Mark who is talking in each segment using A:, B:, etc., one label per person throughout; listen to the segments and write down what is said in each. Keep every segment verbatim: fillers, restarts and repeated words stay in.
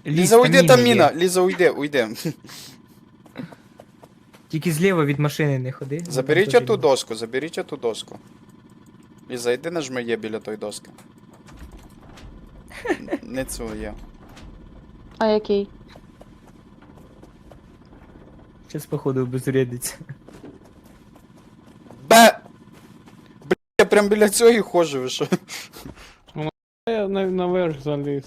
A: Ліза, уйди, там міна. Ліза, уйди, уйди.
B: Тільки зліва від машини не ходи.
A: Заберіть
B: Там
A: оту
B: теж
A: доску, заберіть оту доску. Ліза, йди нажми є біля той доски. Н- Не цю є.
C: А який?
B: є. Щас, походу, обезрядиться.
A: Бе! Бля, я прям біля цього і ходжу, ви що?
D: Я на, наверх заліз.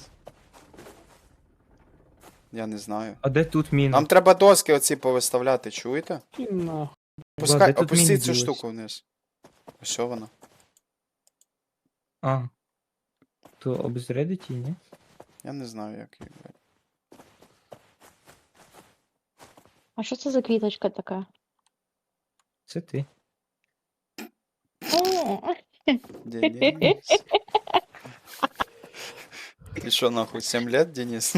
A: Я не знаю.
B: А де тут міна?
A: Нам треба доски оці повиставляти, чуєте?
D: І нахуй.
A: Пускай,
B: де тут міни
A: опустіть цю
B: ділись?
A: штуку вниз. Ось вона.
B: А. То обезрядить її, ні?
A: Я не знаю, як її. блядь.
C: А що це за квіточка така?
B: Це ти.
A: Денис. Ти що нахуй, сім лет, Денис?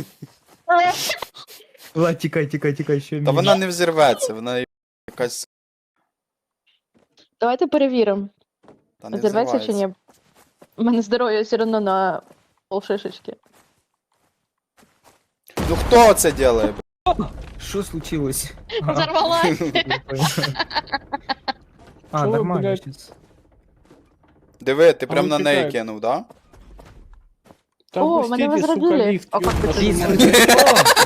B: Ла, тікай, тікай, тікай, що
A: Та
B: міна.
A: вона не взірветься, вона якась.
C: Давайте перевіримо,
A: Та не
C: зірветься чи ні. У мене здоров'я все одно на полшишечки.
A: Ну хто це делає? бля?
B: Що случилось? А,
C: Взорвалась!
B: я понял. А,
D: Чого,
B: нормально
D: блядь?
B: щас.
A: Диви, ти
D: А
A: прям
D: ну,
A: на неї
D: чекай.
A: кинув, да?
D: Та
C: О, мене
D: пустіть, сука,
C: возродили.
D: ліфт.
C: А як
D: ёб
C: ви
D: твою
C: це
D: мать.
B: О,